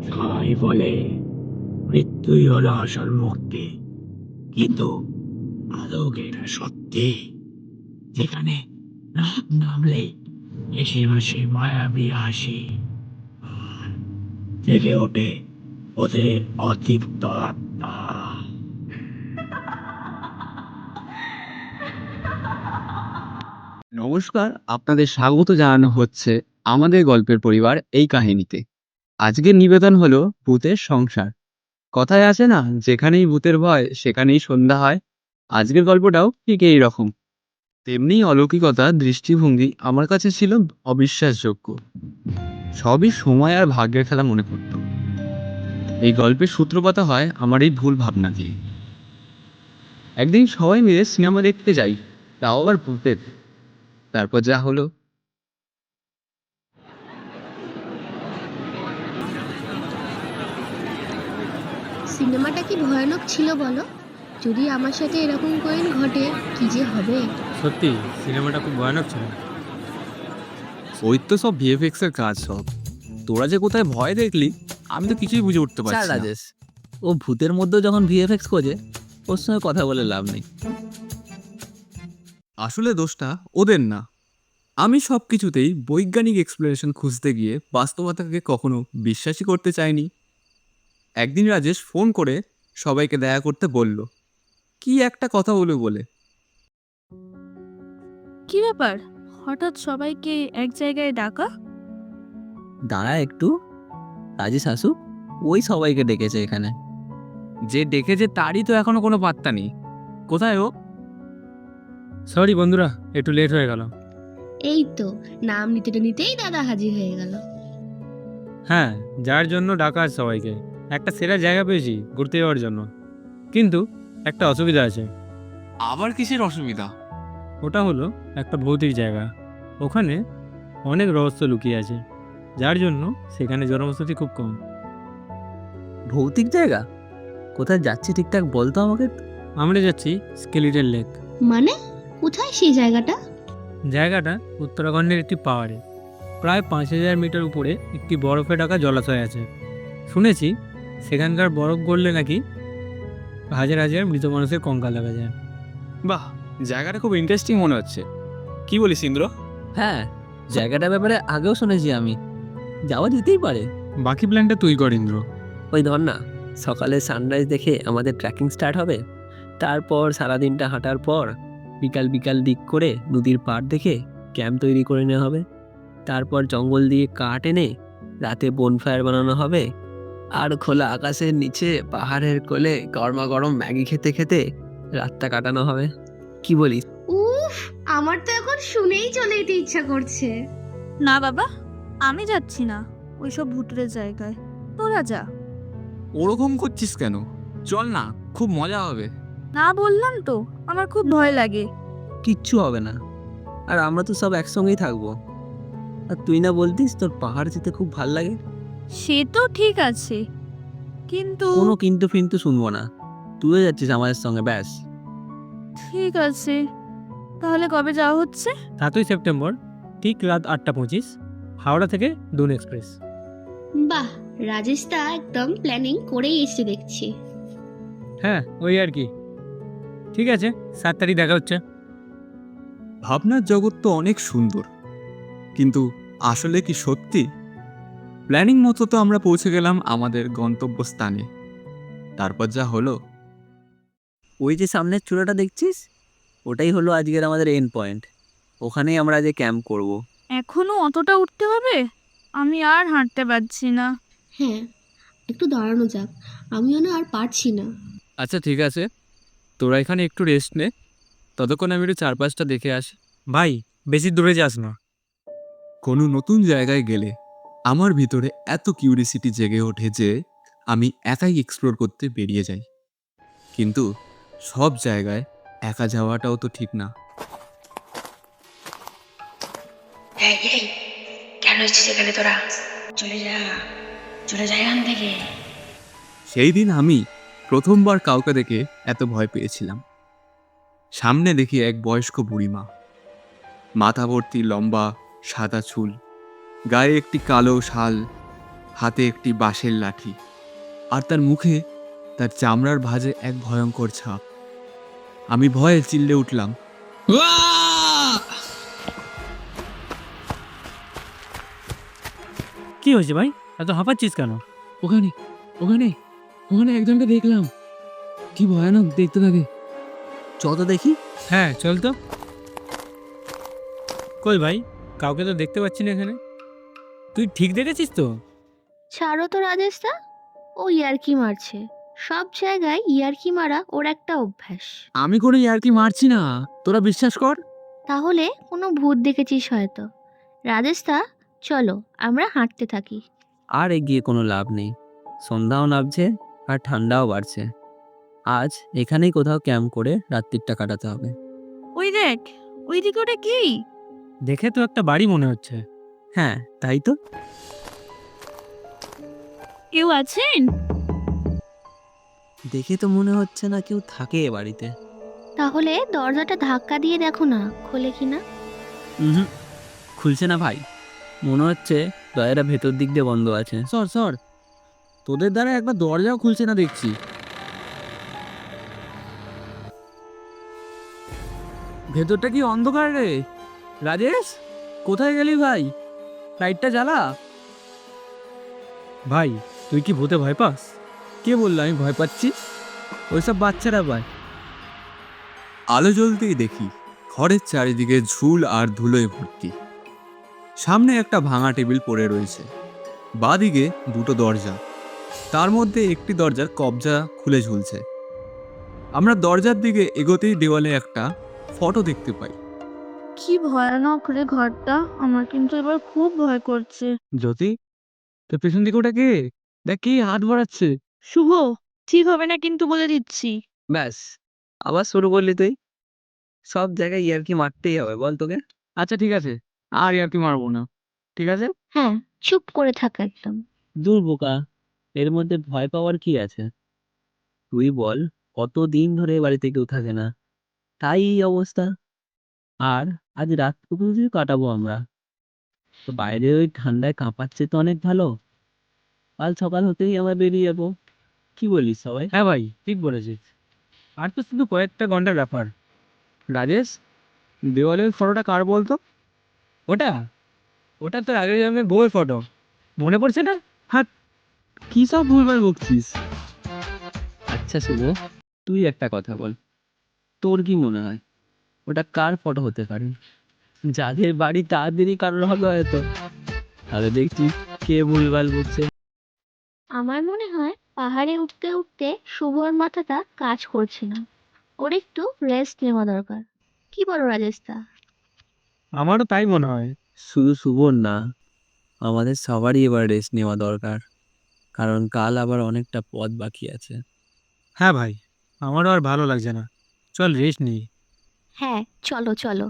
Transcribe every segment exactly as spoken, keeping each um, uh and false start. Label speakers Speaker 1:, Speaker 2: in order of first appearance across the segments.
Speaker 1: সবাই বলে মৃত্যুই হলো আসল মুক্তি, কিন্তু আদৌ কি এটা সত্যি? যেখানে রাত নামলেই এসে বসে মায়াবী হাসি, জেগে ওঠে ওদের অতৃপ্ত আত্মা।
Speaker 2: নমস্কার, আপনাদের স্বাগত জানানো হচ্ছে আমাদের গল্পের পরিবার এই কাহিনীতে। আজকের নিবেদন হলো ভূতের সংসার। কথায় আছে না, যেখানেই ভূতের ভয় সেখানেই সন্ধ্যা হয়। আজকের গল্পটাও ঠিক এই রকম। তেমনি অলৌকিকতা দৃষ্টিভঙ্গি আমার কাছে ছিল অবিশ্বাসযোগ্য। সবই সময় আর ভাগ্যের খেলা মনে পড়ত। এই গল্পের সূত্রপাত হয় আমার এই ভুল ভাবনা দিয়ে। একদিন সবাই মিলে সিনেমা দেখতে যাই, তাও আবার ভূতের। তারপর যা হলো।
Speaker 3: সিনেমাটা কি ভয়ানক ছিল বলো? যদি আমার সাথে এরকম কোয়েন ঘটে, কি যে হবে।
Speaker 4: সত্যি সিনেমাটা খুব ভয়ানক ছিল।
Speaker 2: ওই তো সব ভিএফএক্স এর কাজ সব। তোরা যে কোথায় ভয় দেখলি আমি তো কিছুই বুঝে উঠতে
Speaker 5: চার
Speaker 2: পারছি না।
Speaker 5: রাজেশ, ও ভূতের মধ্যে যখন ভিএফএক্স খোঁজে, ওর সঙ্গে কথা বলে লাভ নেই।
Speaker 2: আসলে দোষটা ওদের না। আমি সব কিছুতেই বৈজ্ঞানিক এক্সপ্লেনেশন খুঁজতে গিয়ে বাস্তবতাকে কখনো বিশ্বাসই করতে চাইনি। একদিন রাজেশ ফোন করে সবাইকে দেখা করতে বলল, কি একটা কথা বলে বলে
Speaker 6: কি ব্যাপার, হঠাৎ সবাইকে এক জায়গায় ডাকা?
Speaker 5: দাঁড়া একটু, রাজেশ আসুক, ওই সবাইকে ডেকেছে এখানে।
Speaker 2: যে ডেকেছে তারই তো এখনো কোনো পাত্তা নেই। কোথায় ও?
Speaker 4: সরি বন্ধুরা, একটু লেট হয়ে গেল।
Speaker 3: এই তো নাম নিতে নিতেই দাদা হাজির হয়ে গেল।
Speaker 4: হ্যাঁ, যার জন্য ডাকা আছে সবাইকে, একটা সেরা জায়গা পেয়েছি ঘুরতে যাওয়ার জন্য। কিন্তু একটা অসুবিধা আছে।
Speaker 2: আবার কিসের অসুবিধা?
Speaker 4: ওটা হলো একটা ভৌতিক জায়গা। ওখানে অনেক রহস্য লুকিয়ে আছে, যার জন্য সেখানে জনবসতি খুব কম।
Speaker 5: ভৌতিক জায়গা? কোথায় যাচ্ছি ঠিকঠাক বলতো আমাকে।
Speaker 4: আমরা যাচ্ছি স্কেলিটন লেক।
Speaker 3: মানে কোথায় সেই জায়গাটা?
Speaker 4: জায়গাটা উত্তরাখণ্ডের একটি পাহাড়ে, প্রায় পাঁচ হাজার মিটার উপরে একটি বরফে ঢাকা জলাশয় আছে। শুনেছি সেখানকার বরফ গড়লে নাকি হাজার হাজার মৃত মানুষের কঙ্কাল দেখা যায়।
Speaker 2: বাহ, জায়গাটা খুব ইন্টারেস্টিং মনে হচ্ছে। কি বলিস ইন্দ্র?
Speaker 5: হ্যাঁ, জায়গাটার ব্যাপারে আগেও শুনেছি আমি, যাওয়া যেতেই পারে।
Speaker 4: বাকি প্ল্যানটা তুই কর ইন্দ্র।
Speaker 5: ওই ধর না, সকালে সানরাইজ দেখে আমাদের ট্রেকিং স্টার্ট হবে। তারপর সারাদিনটা হাঁটার পর বিকাল বিকাল দিক করে নদীর পাড় দেখে ক্যাম্প তৈরি করে নেওয়া হবে। তারপর জঙ্গল দিয়ে কাঠ এনে রাতে বনফায়ার বানানো হবে। আর খোলা আকাশের নিচে পাহাড়ের কোলে গরমা গরম ম্যাগি খেতে খেতে রাতটা কাটানো হবে। কি বলিস?
Speaker 3: উফ, আমার তো এখন শুনেই চলে যেতে ইচ্ছা করছে।
Speaker 6: না বাবা, আমি যাচ্ছি না ওইসব ভুতুরে জায়গায়, তোরা যা।
Speaker 2: ওরকম করছিস কেন? চল না, খুব মজা হবে।
Speaker 6: না বললাম তো, আমার খুব ভয় লাগে।
Speaker 5: কিচ্ছু হবে না, আর আমরা তো সব একসঙ্গেই থাকবো। আর তুই না বলতিস তোর পাহাড় যেতে খুব ভাল লাগে?
Speaker 6: সে তো ঠিক আছে, কিন্তু
Speaker 5: কোনো কিন্তু ফিন্তু শুনবো না, তুইও যাচ্ছিস আমাদের সঙ্গে, ব্যাস।
Speaker 6: ঠিক আছে, তাহলে কবে যাওয়া হচ্ছে?
Speaker 4: সাতই সেপ্টেম্বর, ঠিক রাত আটটা পঁচিশ, হাওড়া থেকে দুন এক্সপ্রেস।
Speaker 3: বাহ, রাজেশ দা একদম প্ল্যানিং করেই এসে দেখছি।
Speaker 4: হ্যাঁ, ওই আর কি। ঠিক আছে, সাত তারিখ দেখা হচ্ছে।
Speaker 2: ভাবনার জগৎ তো অনেক সুন্দর, কিন্তু আসলে কি সত্যি? প্ল্যানিং মতো তো আমরা পৌঁছে গেলাম আমাদের গন্তব্যস্থানে। তারপর যা হলো।
Speaker 5: ওই যে সামনের চূড়াটা দেখছিস, ওটাই হলো আজকের আমাদের এন্ড পয়েন্ট। ওখানেই আমরা আজ ক্যাম্প করব।
Speaker 6: এখনো অতটা উঠতে হবে? আমি আর হাঁটতে পারছি না।
Speaker 3: হ্যাঁ, একটু দাঁড়ানো যাক, আমিও না আর পারছি না।
Speaker 2: আচ্ছা ঠিক আছে, তোরা এখানে একটু রেস্ট নে, ততক্ষণ আমি একটু চারপাশটা দেখে আসি।
Speaker 4: ভাই, বেশি দূরে যাস না।
Speaker 2: কোনো নতুন জায়গায় গেলে আমার ভিতরে এত কিউরিসিটি জেগে ওঠে যে আমি একাই এক্সপ্লোর করতে বেরিয়ে যাই। কিন্তু সব জায়গায় একা যাওয়াটাও তো ঠিক না।
Speaker 7: এই এই কেন এসেছিস এখানে তোরা? চলে যা, চলে যা এখান থেকে।
Speaker 2: সেই দিন আমি প্রথমবার কাউকে দেখে এত ভয় পেয়েছিলাম। সামনে দেখি এক বয়স্ক বুড়িমা, মাথা ভর্তি লম্বা সাদা চুল, গায়ে একটি কালো শাল, হাতে একটি বাঁশের লাঠি, আর তার মুখে তার চামড়ার ভাঁজে এক ভয়ঙ্কর ছাপ। আমি ভয়ে চিল্লে উঠলাম,
Speaker 4: কি হয়েছে ভাই, এত হাঁপাচ্ছিস কেন?
Speaker 2: ওখানে ওখানে ওখানে একজনকে দেখলাম, কি ভয়ানক দেখতে থাকে।
Speaker 5: চত দেখি।
Speaker 4: হ্যাঁ চল তো। কই ভাই, কাউকে তো দেখতে পাচ্ছি না এখানে। তুই ঠিক দেখেছিস তো?
Speaker 3: ছাড়ো তো রাজেশদা, ও ইয়ার্কি মারছে। সব জায়গায় ইয়ার্কি মারা ওর একটা অভ্যাস।
Speaker 2: আমি কোনো ইয়ার্কি মারছি না, তোরা বিশ্বাস কর।
Speaker 3: তাহলে কোনো ভূত দেখেছিস হয়তো। রাজেশদা, চলো আমরা হাঁটতে থাকি।
Speaker 5: আর এগিয়ে কোনো লাভ নেই, সন্ধ্যাও নামছে আর ঠান্ডাও বাড়ছে। আজ এখানেই কোথাও ক্যাম্প করে রাত্রিটা কাটাতে হবে।
Speaker 6: ওই দেখ, ওই দিকে ওটা কি?
Speaker 4: দেখে তো একটা বাড়ি মনে হচ্ছে।
Speaker 5: হ্যাঁ তাই তো।
Speaker 6: কেউ আছেন?
Speaker 5: দেখে তো মনে হচ্ছে না কেউ থাকে এ বাড়িতে।
Speaker 3: তাহলে দরজাটা ধাক্কা দিয়ে দেখো না, খোলে কিনা।
Speaker 5: হুম, খুলছে না ভাই, মনে হচ্ছে দরজাটা ভেতর দিক দিয়ে বন্ধ আছে।
Speaker 2: সর সর, তোদের দ্বারা একবার দরজাও খুলছে না দেখছি। ভেতরটা কি অন্ধকার রে? রাজেশ, কোথায় গেলি ভাই? লাইটটা জ্বালা।
Speaker 4: ভাই তুই কি ভূতে ভয় পাস?
Speaker 2: কে বললো আমি ভয় পাচ্ছি? ওইসব বাচ্চারা পায়। আলো জ্বলতেই দেখি ঘরের চারিদিকে ঝুল আর ধুলোয় ভর্তি। সামনে একটা ভাঙা টেবিল পড়ে রয়েছে, বাঁদিকে দুটো দরজা, তার মধ্যে একটি দরজার কবজা খুলে ঝুলছে। আমরা দরজার দিকে এগোতেই দেওয়ালে একটা ফটো দেখতে পাই।
Speaker 6: কি ভয়ানক রে ঘরটা, আমার কিন্তু এবার খুব ভয় করছে।
Speaker 2: জ্যোতি, তোর পেছন দিকে ওটা কে? দেখ কি হাত বাড়াচ্ছে।
Speaker 6: শুভ, ঠিক হবে না কিন্তু বলে দিচ্ছি।
Speaker 5: ব্যাস, আবার শুরু করলি তুই। সব জায়গায় ইয়ার্কি মারতেই হবে বল তোকে।
Speaker 2: আচ্ছা ঠিক আছে, আর আর কি মারবো না, ঠিক আছে।
Speaker 3: হ্যাঁ, চুপ করে থাকা একদম।
Speaker 5: দূর বোকা, এর মধ্যে ভয় পাওয়ার কি আছে? তুই বল, কতদিন ধরে এ বাড়িতে কেউ থাকে না, তাই এই অবস্থা। আর আজ রাতটুকু যদি কাটাবো আমরা, তো বাইরে ওই ঠান্ডায় কাঁপাচ্ছে তো অনেক ভালো। কাল সকাল হতেই আমরা বেরিয়ে যাবো। কি বলিস সবাই?
Speaker 4: হ্যাঁ ভাই ঠিক বলেছিস, আর তো শুধু কয়েকটা ঘন্টার ব্যাপার।
Speaker 2: রাজেশ, দেওয়ালের ফটোটা কার বলতো?
Speaker 4: ওটা ওটা তোর আগের জন্মের বউয়ের ফটো, মনে পড়ছে না?
Speaker 2: হ্যাঁ, কি সব ভুলভাল বকছিস।
Speaker 5: আচ্ছা শুভ, তুই একটা কথা বল, তোর কি মনে হয় ওটা কার ফটো হতে পারে? যাদের বাড়ি তাদেরই কারোর হবে হয়তো। তাহলে দেখছি কে ভুলভাল বকছে।
Speaker 3: আমার মনে হয় পাহাড়ে উঠতে উঠতে শুভর মাথাটা কাজ করছে না, ওর একটু রেস্ট নেওয়া দরকার। কি বলো রাজেশদা?
Speaker 4: আমারও তাই মনে হয়।
Speaker 5: শুধু শুভর না, আমাদের সবারই এবার রেস্ট নেওয়া দরকার, কারণ কাল আবার অনেকটা পথ বাকি আছে।
Speaker 4: হ্যাঁ ভাই, আমারও আর ভালো লাগছে না, চল রেস্ট নিই।
Speaker 3: হ্যাঁ চলো চলো।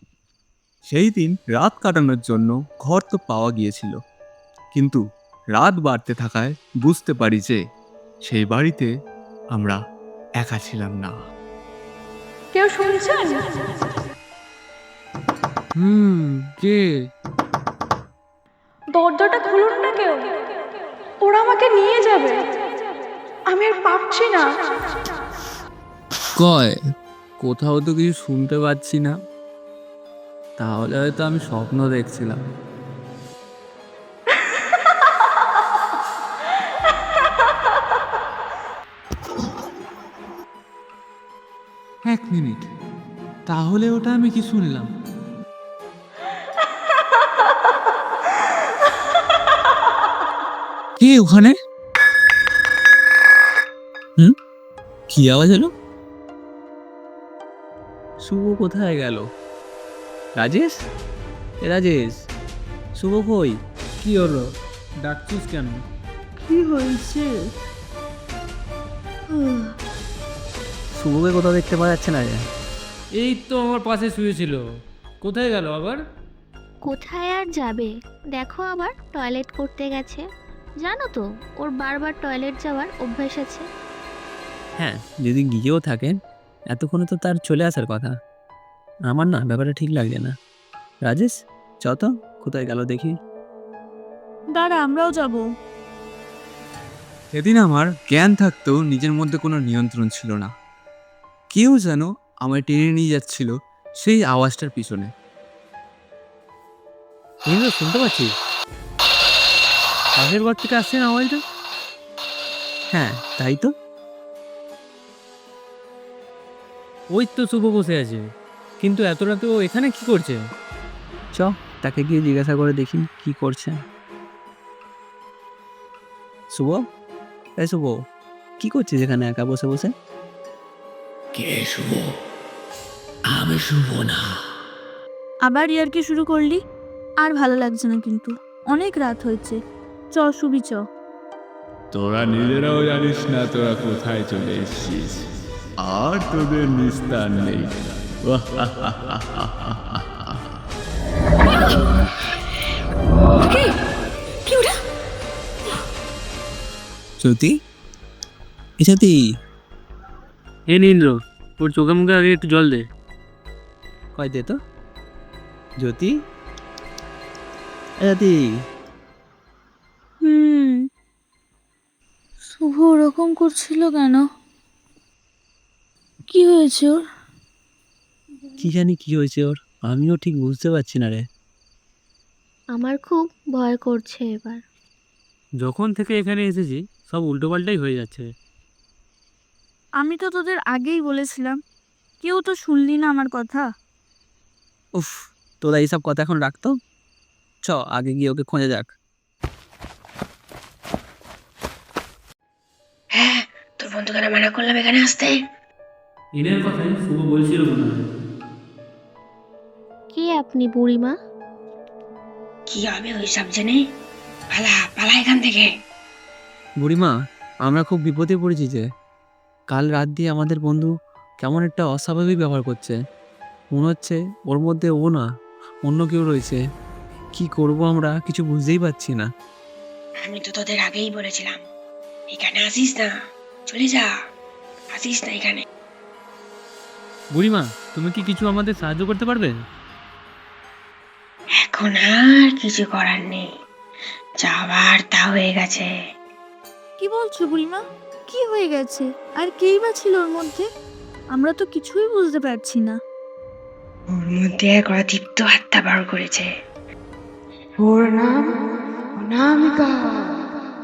Speaker 2: সেই দিন রাত কাটানোর জন্য ঘর তো পাওয়া গিয়েছিল, কিন্তু রাত বাড়তে থাকায় বুঝতে পারি যে সেই বাড়িতে আমরা একা ছিলাম না।
Speaker 6: কেউ শুনছেন?
Speaker 2: হুম, কে?
Speaker 8: দরজাটা খুলুন না কেউ, ওরা আমাকে নিয়ে যাবে, আমি আর পারছি না।
Speaker 2: কয়, কোথাও তো কিছু শুনতে পাচ্ছি না, তাহলে হয়তো আমি স্বপ্ন দেখছিলাম। এক মিনিট, তাহলে ওটা আমি কি শুনলাম? কে ওখানে? হুম, কি আওয়াজ হলো?
Speaker 5: শুভ কোথায় গেল? রাজেশ, এ রাজেশ, শুভ কই?
Speaker 4: কি হলো, ডাকছিস কেন?
Speaker 6: কি হয়েছে?
Speaker 5: শুভকে কোথাও দেখতে পাওয়া যাচ্ছে না যে।
Speaker 4: এই তো আমার পাশে শুয়েছিল, কোথায় গেল আবার?
Speaker 3: কোথায় আর যাবে, দেখো আবার টয়লেট করতে গেছে। জানো তো ওর বারবার টয়লেট যাওয়ার অভ্যাস আছে।
Speaker 5: হ্যাঁ, যদি গিয়েও থাকে এতক্ষণে তো তার চলে আসার কথা। আমার না ব্যাপারটা ঠিক লাগছে না। রাজেশ, চ তো, কোথায় গেল দেখি।
Speaker 6: দাঁড়া, আমরাও যাব।
Speaker 2: সেদিন আমার জ্ঞান থাকতেও নিজের মধ্যে কোনো নিয়ন্ত্রণ ছিল না। কেউ যেন আমায় টেনে নিয়ে যাচ্ছিল সেই আওয়াজটার পিছনে।
Speaker 4: নীল, শুনতে পাচ্ছিস পাশের ঘর থেকে আসছে না আওয়াজটা?
Speaker 5: হ্যাঁ, তাই তো।
Speaker 4: ওই তো শুভ বসে আছে, কিন্তু এত রাতে ও এখানে কি করছে?
Speaker 5: চ, তাকে গিয়ে জিজ্ঞাসা করে দেখি কি করছে। শুভ, এই শুভ, কি করছিস এখানে একা বসে বসে?
Speaker 1: কে শুভ? আমি শুভ না।
Speaker 6: আবার ইয়ার্কি শুরু করলি? আর ভালো লাগছে না কিন্তু, অনেক রাত হয়েছে। চ শুবি, চ।
Speaker 9: তোরা নিজেরাও জানিস না তোরা কোথায় চলে এসেছিস, আর তোদের নিস্তার নেই।
Speaker 7: কি ওটা?
Speaker 5: জ্যোতি, এ জ্যোতি,
Speaker 4: এ নীল, ওর চোখে মুখে আগে একটু জল দে।
Speaker 5: কয় দে তো। জ্যোতি, এ জ্যোতি।
Speaker 6: হুম, শুভ ওরকম করছিল কেন? কি হয়েছে ওর?
Speaker 5: কি জানি কি হয়েছে ওর, আমিও ঠিক বুঝতে পারছি না রে।
Speaker 3: আমার খুব ভয় করছে এবার।
Speaker 4: যখন থেকে এখানে এসেছি সব উল্টোপাল্টাই হয়ে যাচ্ছে।
Speaker 6: আমি তো তোদের আগেই বলেছিলাম, কেউ তো শুনলি না আমার কথা।
Speaker 5: উফ, তোরা এইসব কথা এখন রাখতো। চ, আগে গিয়ে ওকে খোঁজা যাক।
Speaker 7: হ্যাঁ, তোর বন্ধুকে না মানা করলাম এখানে আসতে।
Speaker 4: এনের কথাই শুভ বলছিল মনে হয়।
Speaker 3: কে আপনি বুড়িমা?
Speaker 7: কি হবে ওই সব জেনে? পালা পালা এখান থেকে।
Speaker 5: বুড়িমা, আমরা খুব বিপদে পড়েছি যে। কাল রাত দিয়ে আমাদের বন্ধু কেমন একটা অস্বাভাবিক ব্যবহার করছে। মনে হচ্ছে ওর মধ্যে ও না, অন্য কেউ রয়েছে। কি করব আমরা কিছু বুঝতেই পারছি না।
Speaker 7: আমি তো তোদের আগেই বলেছিলাম এখানে আসিস না, চলে যা, আসিস না এখানে।
Speaker 4: বুড়িমা, তুমি কি কিছু আমাদের সাহায্য করতে পারবে?
Speaker 7: এখন আর কিছু করার নেই, যাবার তা হয়ে গেছে।
Speaker 6: কি বলছো বুড়িমা? কি হয়ে গেছে? আর কেই বা ছিল ওর মধ্যে? আমরা তো কিছুই বুঝতে পারছি না।
Speaker 7: ওর মধ্যে এক অদীপ্ত আত্মা বার করেছে। ওর নাম অনামিকা।